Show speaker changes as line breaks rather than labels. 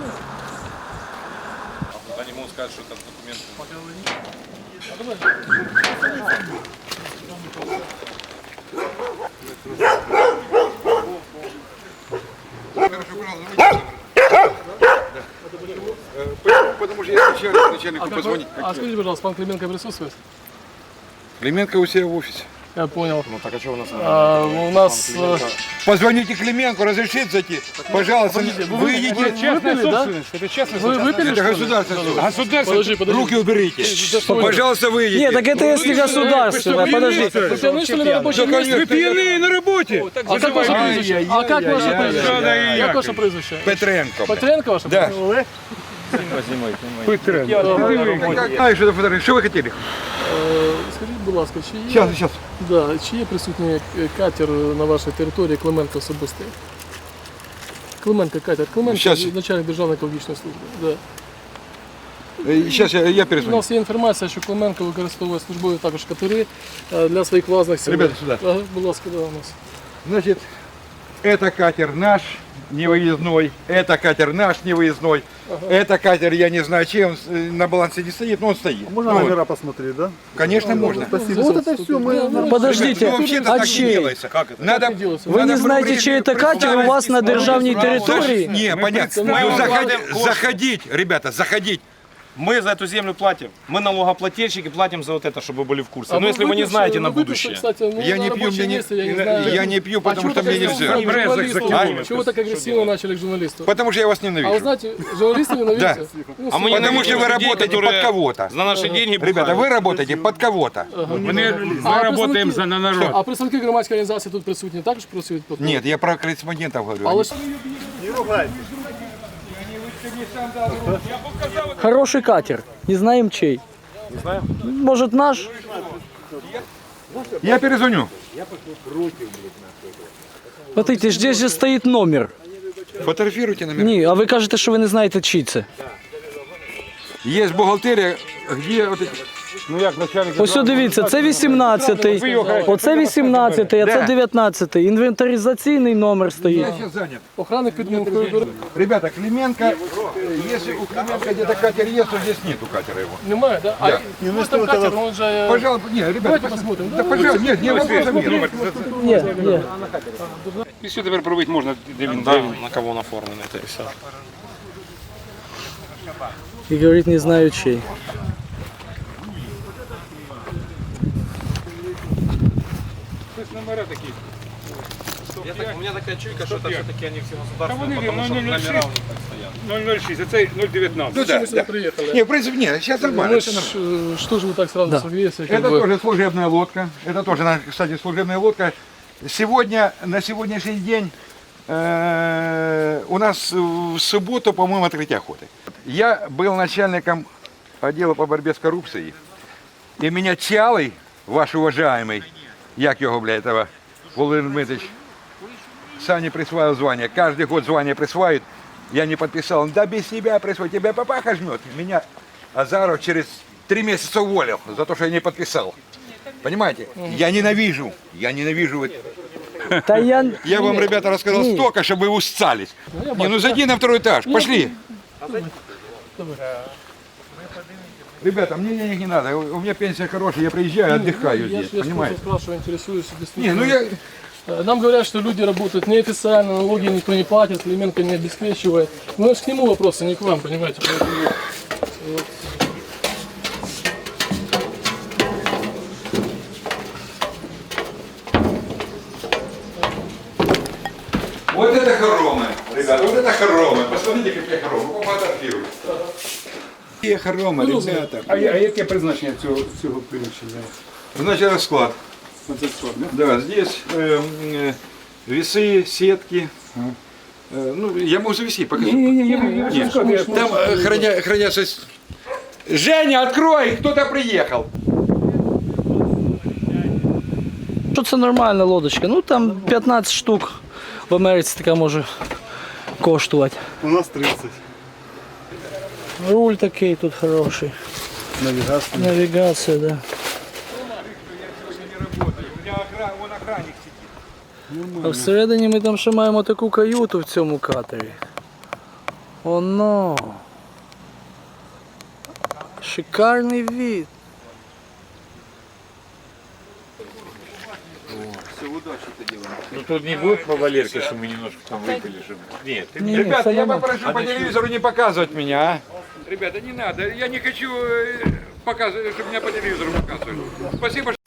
Они могут сказать, что это документы.
Потому что я начальнику позвонить.
А скажите, пожалуйста, пан Клименко присутствует?
Клименко у себя в офисе.
Я понял.
Ну так а что у нас?
У нас...
Позвоните Клименко, разрешите зайти. Пожалуйста, вы идите.
Частная собственность.
Это честно.
Вы выпили,
Это
что ли?
государственное.
Подожди.
Руки уберите. Пожалуйста, выйдите.
Нет, так это если государственное, подождите.
Вы пьяны, что ли, на рабочем месте?
Вы пьяные на работе.
А как ваше прізвище? А как ваше прізвище? Як ваше прізвище?
Петренко.
Петренко ваше
Да.
прізвище?
А, что фотографии? Что вы хотели?
Скажіть, будь ласка, чи є,
Сейчас.
да, чи є присутній катер на вашій території Клименко особистий? Клименко катер. Клименко,
Щас.
начальник Державної екологічної служби. Да.
Сейчас я
У
перезвоню.
нас є інформація, що Клименко використовує службові також катери для своїх власних цілей.
Ребята, сюда.
Ага, будь ласка, да, у нас.
Значит, это катер наш, невыездной. Это катер наш, невыездной. Это катер, я не знаю, чем на балансе не стоит, но он стоит.
Можно
Ну,
номера посмотреть, да?
Конечно, можно.
Спасибо. Вот это все мы...
Подождите,
Ну, вообще-то
а
так не
чей?
делается. Надо,
Вы не знаете, чей это катер у вас на державной территории?
Не, понятно. Ну, заходить, ребята, заходить.
Мы за эту землю платим. Мы налогоплательщики платим за вот это, чтобы вы были в курсе.
А
Но
вы
если вы не
выпивший-
знаете на
вы выпивший,
будущее.
Кстати, ну,
Я
на
не пью,
рабочем
мне
месте, я не знаю.
я не пью, потому
А
что
чего
мне
так
нельзя.
агрессивно к журналисту?
А?
Чего так агрессивно начали к журналисту?
Потому что я вас
А вы
ненавижу.
знаете, журналисты ненавидите?
Да.
Ну,
А мы
все.
Потому что вы
людей,
работаете
которые
под кого-то.
За наши деньги
Ребята,
бухают.
вы работаете под кого-то.
Мы работаем за народ. А представники громадської організації тут присутні також працюють? під кого?
Нет, я про корреспондентов говорю.
Але ж
Хороший катер, не знаем чей.
Не знаю.
Может наш?
Я перезвоню.
Смотрите, здесь же стоит номер.
Фотографируйте номер.
Ні, а ви кажете, що ви не знаєте, чий це.
Есть бухгалтерия, где вот эти...
Ну як начальник.
Ось дивіться, це 18-й, оце 18-й, а це 19-й. Інвентаризаційний номер
Я
стоїть.
сейчас занят.
охранник під Мункою
Ребята, Клименко, если у Клименко где-то катер есть, то здесь нету катера его.
немає, да? А
Да.
ну, там катер, он же...
Пожалуйста, нет, ребята,
Давайте посмотрим.
Да, пожалуйста, нет, не вопросов нет.
Ні, ні.
І все тепер пробити можна, де він, на кого він оформлений, це і все.
І говорить, не знаю чей.
Номера такі. У меня такая чуйка, что это все-таки они все государственные, потому что номера у них так стоят.
006, а це 019.
Ну да,
Мы сюда
да.
приехали.
Не, в принципе, нет, сейчас нормально.
Ну,
всё нормально.
что же вы так сразу согрелись? Как
Это
бы...
тоже служебная лодка. Это тоже, кстати, служебная лодка. Сегодня, на сегодняшний день у нас в субботу, по-моему, открытие охоты. Я был начальником отдела по борьбе с коррупцией. И меня Чалый, ваш уважаемый, як його, бля, этого, Володимир Дмитриевич, Сане присваивал звание. Каждый год звание присваивает. Я не подписал. Да без тебя присвоит. Тебя папаха жмет. Меня Азаров через 3 месяца уволил за то, что я не подписал. Понимаете? Я ненавижу.
Та
Я вам, ребята, рассказал
Нет.
столько, чтобы вы устались. Не, ну зайди на второй этаж. Пошли. Ребята, мне денег не надо. У меня пенсия хорошая. Я приезжаю, отдыхаю
Я
здесь.
же
Понимаете?
спрашиваю, интересуюсь.
Не,
Действительно.
ну я...
Нам говорят, что люди работают неофициально, налоги никто не платит, Клименко не обеспечивает. Ну, это ж к нему вопросы, не к вам, понимаете. Поэтому, вот.
Вот это хоромы, ребята, вот это хоромы. Посмотрите, какие хоромы. Пофотографируйте. Какие хоромы, ребята.
А яке призначення цього приміщення?
Значит, расклад.
На це склад, да?
Да, здесь весы, сетки. Ну, я могу завести, покажу. Нет, там хранятся... Женя, открой! Кто-то приехал.
Що це нормальна лодочка? Ну там 15 штук в Америці така може коштувати.
У нас 30.
Руль такий тут хороший.
Навігація.
Навігація, да.
Вон охранник сидит.
А всередині ми там ще маємо таку каюту в цьому катері. Оно. Шикарный вид.
Ну тут не будет по Валерке, что мы немножко там выпили, чтобы... Нет, ты
Не,
Ребята, я
нормально.
попрошу по телевизору не показывать меня. Ребята, не надо. Я не хочу показывать, чтобы меня по телевизору показывали. Спасибо,